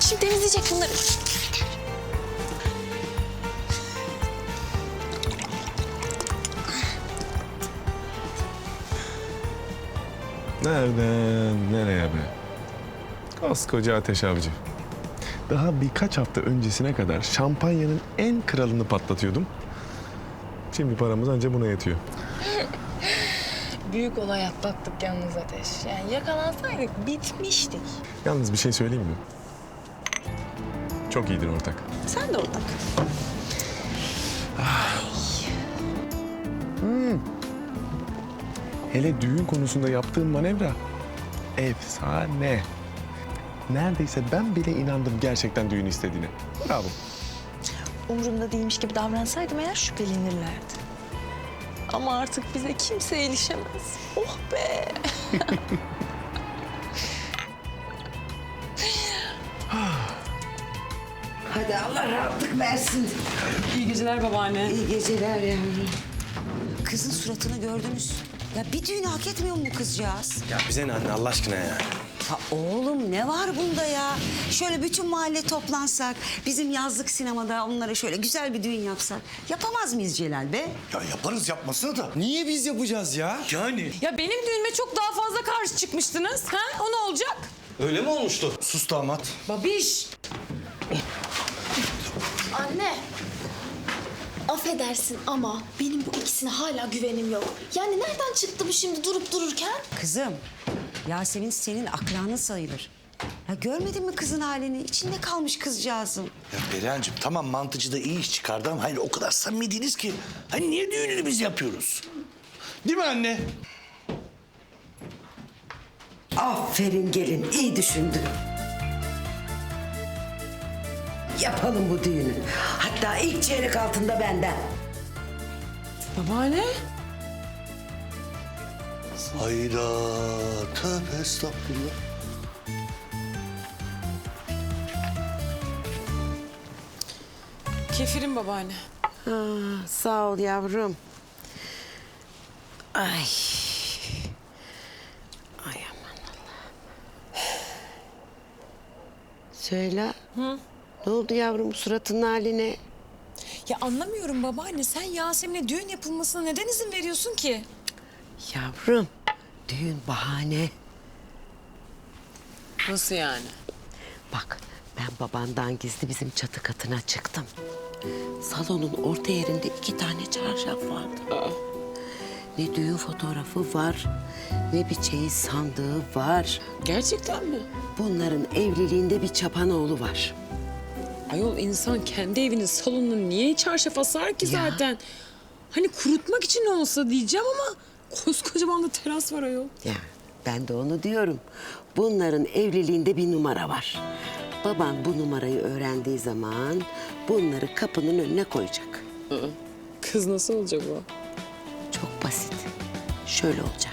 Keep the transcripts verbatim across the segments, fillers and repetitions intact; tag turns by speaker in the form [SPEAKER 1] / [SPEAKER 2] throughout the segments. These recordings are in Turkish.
[SPEAKER 1] şimdi temizleyecek bunları.
[SPEAKER 2] Nereden nereye be? Koskoca Ateş Avcı. Daha birkaç hafta öncesine kadar şampanyanın en kralını patlatıyordum. Şimdi paramız anca buna yetiyor.
[SPEAKER 1] Büyük olay atlattık yalnız Ateş. Yani yakalansaydık bitmiştik.
[SPEAKER 2] Yalnız bir şey söyleyeyim mi? Çok iyidir ortak.
[SPEAKER 1] Sen de ortak.
[SPEAKER 2] Hele düğün konusunda yaptığım manevra efsane. Neredeyse ben bile inandım gerçekten düğün istediğine. Bravo.
[SPEAKER 1] Umurumda değilmiş gibi davransaydım eğer şüphelenirlerdi. Ama artık bize kimse ilişemez. Oh be!
[SPEAKER 3] Hadi Allah rahatlık versin.
[SPEAKER 4] İyi geceler babaanne.
[SPEAKER 3] İyi geceler yavrum. Kızın suratını gördünüz. Ya bir düğünü hak etmiyor mu bu kızcağız?
[SPEAKER 5] Ya bize ne anne Allah aşkına ya?
[SPEAKER 3] Ha oğlum ne var bunda ya? Şöyle bütün mahalle toplansak, bizim yazlık sinemada onlara şöyle güzel bir düğün yapsak. Yapamaz mıyız Celal be?
[SPEAKER 6] Ya yaparız yapmasını da.
[SPEAKER 5] Niye biz yapacağız ya?
[SPEAKER 6] Yani.
[SPEAKER 4] Ya benim düğünüme çok daha fazla karşı çıkmıştınız. Ha? O ne olacak?
[SPEAKER 5] Öyle mi olmuştu?
[SPEAKER 6] Sus damat.
[SPEAKER 4] Babiş.
[SPEAKER 7] Anne. Affedersin ama benim bu ikisine hala güvenim yok. Yani nereden çıktı bu şimdi durup dururken?
[SPEAKER 3] Kızım, Yasemin senin akranın sayılır. Ya görmedin mi kızın halini? İçinde kalmış kızcağızın.
[SPEAKER 6] Ya Perihan'cığım tamam mantıcı da iyi iş çıkardı ama hayır o kadar samimi değiliz ki. Hani niye düğününü biz yapıyoruz? Değil mi anne?
[SPEAKER 3] Aferin gelin, iyi düşündün. Yapalım bu düğünü. Hatta ilk çeyrek altında benden.
[SPEAKER 4] Babaanne.
[SPEAKER 6] Hayda. Tövbe estağfurullah.
[SPEAKER 4] Kefirim babaanne.
[SPEAKER 3] Ha, sağ ol yavrum. Ay. Ay aman Allah'ım. Söyle. Hı? Ne oldu yavrum suratının haline?
[SPEAKER 4] Ya anlamıyorum babaanne. Sen Yasemin'e düğün yapılmasına neden izin veriyorsun ki?
[SPEAKER 3] Yavrum, düğün bahane.
[SPEAKER 4] Nasıl yani?
[SPEAKER 3] Bak, ben babandan gizli bizim çatı katına çıktım. Salonun orta yerinde iki tane çarşaf vardı. Aa. Ne düğün fotoğrafı var, ne bir çeyiz sandığı var.
[SPEAKER 4] Gerçekten mi?
[SPEAKER 3] Bunların evliliğinde bir çapanoğlu var.
[SPEAKER 4] Ayol insan kendi evinin salonuna niye çarşaf asar ki
[SPEAKER 3] Ya.
[SPEAKER 4] zaten? Hani kurutmak için olsa diyeceğim ama koskocaman da teras var ayol.
[SPEAKER 3] Ya ben de onu diyorum. Bunların evliliğinde bir numara var. Baban bu numarayı öğrendiği zaman bunları kapının önüne koyacak.
[SPEAKER 4] Kız nasıl olacak o?
[SPEAKER 3] Çok basit. Şöyle olacak.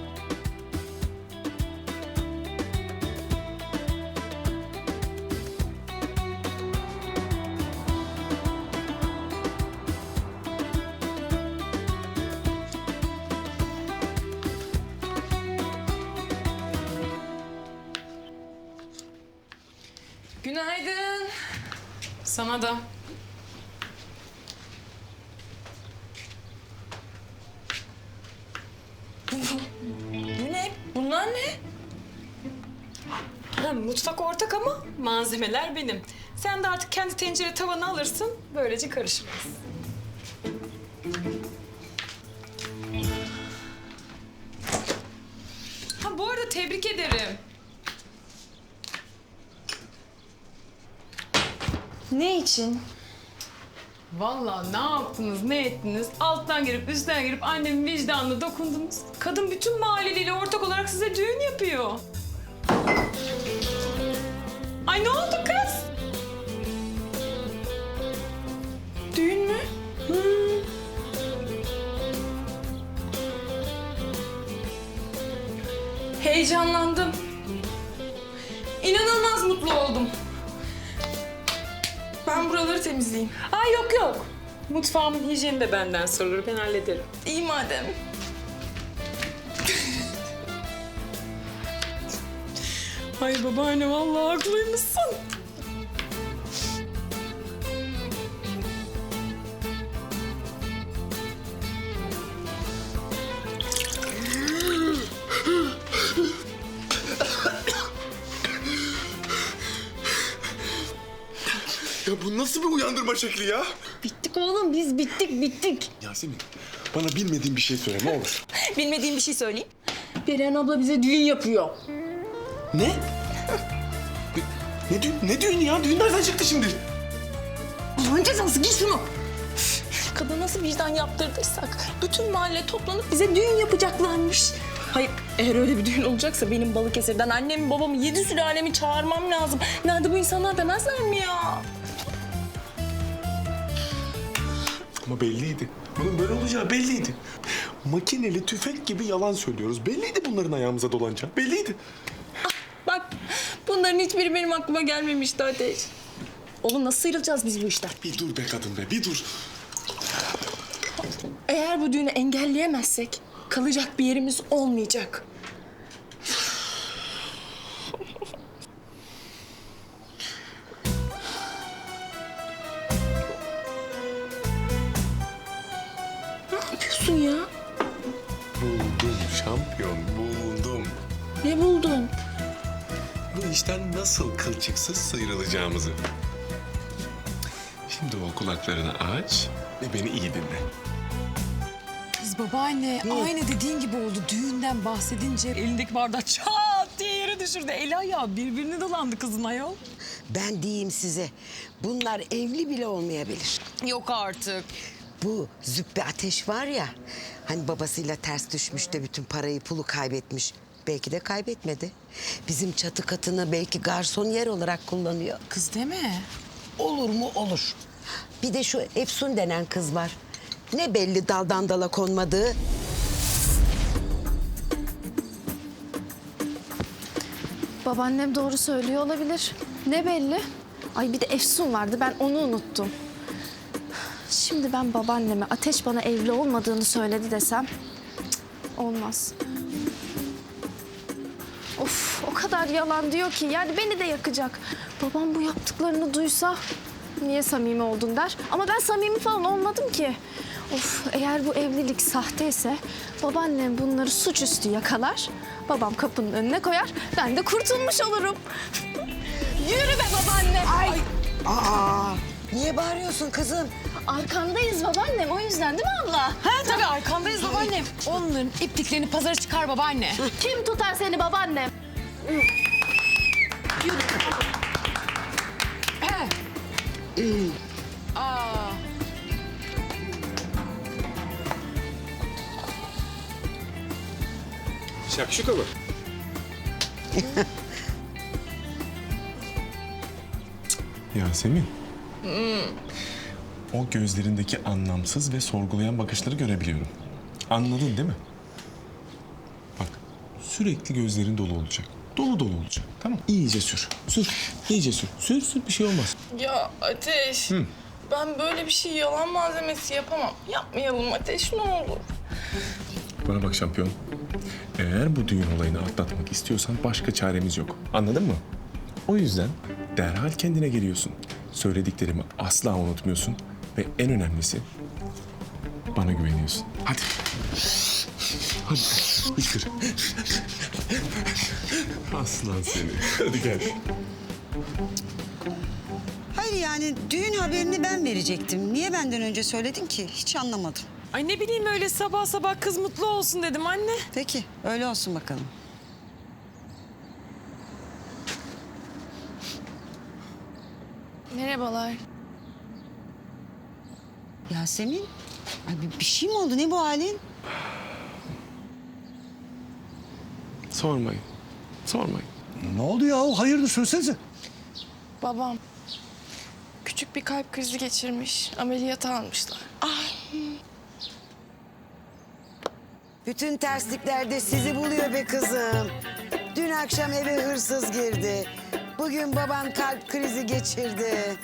[SPEAKER 4] Günaydın. Sana da. Bu ne? Bunlar ne? Ha, mutfak ortak ama malzemeler benim. Sen de artık kendi tencere tavanı alırsın. Böylece karışmaz. Ha bu arada tebrik ederim.
[SPEAKER 7] Ne için?
[SPEAKER 4] Vallahi ne yaptınız, ne ettiniz? Alttan girip üstten girip annemin vicdanına dokundunuz. Kadın bütün mahalleliyle ortak olarak size düğün yapıyor. Ay ne oldu kız? Düğün mü? Hmm. Heyecanlandım. İnanılmaz mutlu oldum. Ben buraları temizleyeyim. Ay yok yok. Mutfağımın hijyeni de benden sorulur. Ben hallederim.
[SPEAKER 1] İyi madem.
[SPEAKER 4] Ay babaanne vallahi haklıymışsın.
[SPEAKER 2] bu nasıl bir uyandırma şekli ya?
[SPEAKER 1] Bittik oğlum biz bittik bittik.
[SPEAKER 2] Yasemin, bana bilmediğin bir şey söyle ne olur.
[SPEAKER 1] Bilmediğim bir şey söyleyeyim.
[SPEAKER 4] Perihan abla bize düğün yapıyor.
[SPEAKER 2] Ne? Ne düğün, ne düğün ya? Düğün nereden çıktı şimdi?
[SPEAKER 1] Allah'ın cezası giy şunu. Kadın nasıl vicdan yaptırdıysak bütün mahalle toplanıp bize düğün yapacaklarmış. Hayır eğer öyle bir düğün olacaksa benim Balıkesir'den annemi babamı yedi sülalemi çağırmam lazım. Nerede bu insanlar demezler mi ya?
[SPEAKER 2] Ama belliydi. Bunun böyle olacağı belliydi. Makineli tüfek gibi yalan söylüyoruz. Belliydi bunların ayağımıza dolanacağı. Belliydi.
[SPEAKER 1] Bak bunların hiçbiri benim aklıma gelmemişti Ateş. Oğlum nasıl sıyrılacağız biz bu işten?
[SPEAKER 2] Bir dur be kadın be, bir dur.
[SPEAKER 1] Eğer bu düğünü engelleyemezsek kalacak bir yerimiz olmayacak. Ne yapıyorsun ya?
[SPEAKER 2] Buldum şampiyon, buldum.
[SPEAKER 1] Ne buldun?
[SPEAKER 2] Bu işten nasıl kılçıksız sıyrılacağımızı. Şimdi o kulaklarını aç ve beni iyi dinle.
[SPEAKER 4] Kız babaanne aynı dediğin gibi oldu. Düğünden bahsedince elindeki bardağı çat diye yere düşürdü. Eli ayağı birbirine dolandı kızın ayol.
[SPEAKER 3] Ben diyeyim size, bunlar evli bile olmayabilir.
[SPEAKER 4] Yok artık.
[SPEAKER 3] Bu Züppe Ateş var ya, hani babasıyla ters düşmüş de bütün parayı pulu kaybetmiş. Belki de kaybetmedi. Bizim çatı katını belki garson yer olarak kullanıyor.
[SPEAKER 4] Kız deme.
[SPEAKER 3] Olur mu olur. Bir de şu Efsun denen kız var. Ne belli daldan dala konmadığı.
[SPEAKER 7] Babaannem doğru söylüyor olabilir. Ne belli? Ay bir de Efsun vardı, ben onu unuttum. Şimdi ben babaanneme Ateş bana evli olmadığını söyledi desem... cık, olmaz. Of, o kadar yalan diyor ki yani beni de yakacak. Babam bu yaptıklarını duysa niye samimi oldun der. Ama ben samimi falan olmadım ki. Of, eğer bu evlilik sahteyse babaannem bunları suçüstü yakalar. Babam kapının önüne koyar, ben de kurtulmuş olurum. Yürü be babaanne. Ay.
[SPEAKER 3] Aa, niye bağırıyorsun kızım?
[SPEAKER 7] Arkandayız babaannem, o yüzden değil mi abla?
[SPEAKER 4] Ha tabii arkandayız babaannem. Onların ipliklerini pazara çıkar babaanne.
[SPEAKER 7] Kim tutar seni babaannem?
[SPEAKER 4] Aa.
[SPEAKER 2] Şakşuka mı? Yasemin. O gözlerindeki anlamsız ve sorgulayan bakışları görebiliyorum. Anladın değil mi? Bak, sürekli gözlerin dolu olacak. Dolu dolu olacak. Tamam. İyice sür. Sür. İyice sür. Sür sür bir şey olmaz.
[SPEAKER 1] Ya Ateş, ben böyle bir şey yalan malzemesi yapamam. Yapmayalım Ateş, ne olur.
[SPEAKER 2] Bana bak şampiyon. Eğer bu düğün olayını atlatmak istiyorsan başka çaremiz yok. Anladın mı? O yüzden derhal kendine geliyorsun. Söylediklerimi asla unutmuyorsun. Ve en önemlisi bana güveniyorsun. Hadi. Hadi. Hıçkır. Aslan seni. Hadi gel.
[SPEAKER 8] Hayır yani düğün haberini ben verecektim. Niye benden önce söyledin ki? Hiç anlamadım.
[SPEAKER 4] Ay ne bileyim öyle sabah sabah kız mutlu olsun dedim anne.
[SPEAKER 8] Peki öyle olsun bakalım.
[SPEAKER 7] Merhabalar.
[SPEAKER 8] Yasemin, ay bir, bir şey mi oldu? Ne bu halin?
[SPEAKER 2] Sormayın. Sormayın.
[SPEAKER 6] Ne oldu ya? Hayırdır söylesenize.
[SPEAKER 9] Babam küçük bir kalp krizi geçirmiş. Ameliyata almışlar.
[SPEAKER 3] Bütün terslikler de sizi buluyor be kızım. Dün akşam eve hırsız girdi. Bugün baban kalp krizi geçirdi.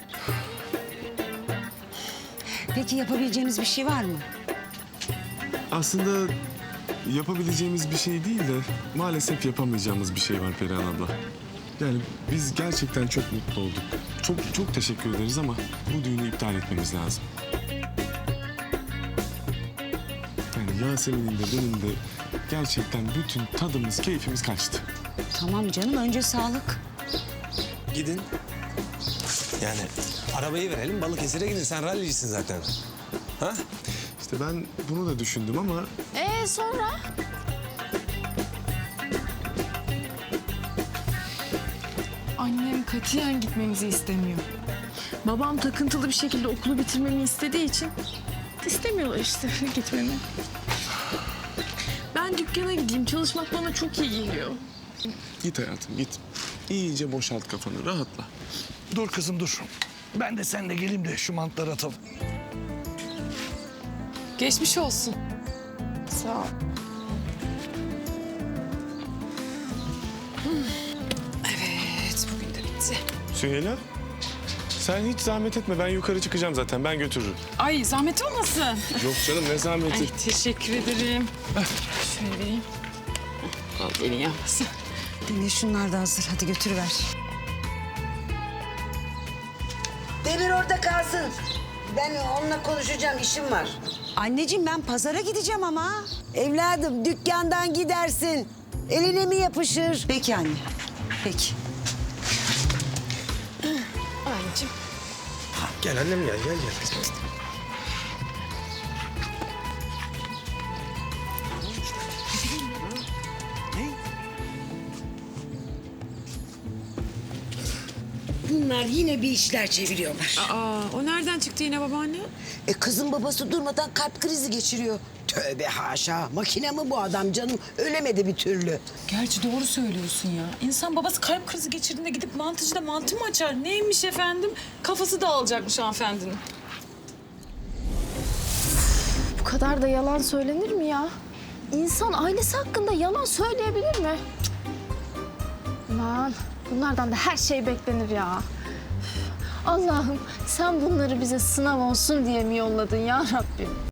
[SPEAKER 8] Peki yapabileceğimiz bir şey var mı?
[SPEAKER 2] Aslında yapabileceğimiz bir şey değil de maalesef yapamayacağımız bir şey var Perihan abla. Yani biz gerçekten çok mutlu olduk. Çok çok teşekkür ederiz ama bu düğünü iptal etmemiz lazım. Yani Yasemin'in de benim de gerçekten bütün tadımız, keyfimiz kaçtı.
[SPEAKER 8] Tamam canım, önce sağlık.
[SPEAKER 2] Gidin.
[SPEAKER 5] Yani arabayı verelim Balıkesir'e gidin. Sen rallicisin zaten. Ha?
[SPEAKER 2] İşte ben bunu da düşündüm ama
[SPEAKER 7] Ee sonra?
[SPEAKER 9] Annem katiyen gitmemizi istemiyor. Babam takıntılı bir şekilde okulu bitirmemi istediği için istemiyorlar işte gitmemi. Ben dükkana gideyim. Çalışmak bana çok iyi geliyor.
[SPEAKER 2] git hayatım git. İyice boşalt kafanı, rahatla.
[SPEAKER 6] Dur kızım dur. Ben de seninle geleyim de şu mantları atalım.
[SPEAKER 9] Geçmiş olsun. Sağ ol.
[SPEAKER 4] Evet, bugün de bitti.
[SPEAKER 2] Süheyla, sen hiç zahmet etme. Ben yukarı çıkacağım zaten. Ben götürürüm.
[SPEAKER 4] Ay zahmet olmasın.
[SPEAKER 2] Yok canım ne zahmeti.
[SPEAKER 4] Ay teşekkür ederim. Şöyle vereyim. Al elin yanmasın.
[SPEAKER 8] Demir şunlar da hazır. Hadi götürüver.
[SPEAKER 3] Demir orada kalsın. Ben onunla konuşacağım, işim var.
[SPEAKER 8] Anneciğim ben pazara gideceğim ama.
[SPEAKER 3] Evladım dükkandan gidersin. Eline mi yapışır?
[SPEAKER 8] Peki anne. Peki.
[SPEAKER 9] Anneciğim.
[SPEAKER 5] Gel annem gel, gel gel.
[SPEAKER 3] Bunlar yine bir işler çeviriyorlar.
[SPEAKER 4] Aa, o nereden çıktı yine babaanne?
[SPEAKER 3] E kızın babası durmadan kalp krizi geçiriyor. Tövbe haşa. Makine mi bu adam canım? Ölemedi bir türlü.
[SPEAKER 4] Gerçi doğru söylüyorsun ya. İnsan babası kalp krizi geçirdiğinde gidip mantıcıda mantı mı açar? Neymiş efendim? Kafası dağılacakmış hanımefendinin.
[SPEAKER 7] Bu kadar da yalan söylenir mi ya? İnsan ailesi hakkında yalan söyleyebilir mi? Cık. Aman bunlardan da her şey beklenir ya. Üf. Allah'ım sen bunları bize sınav olsun diye mi yolladın ya Rabbim?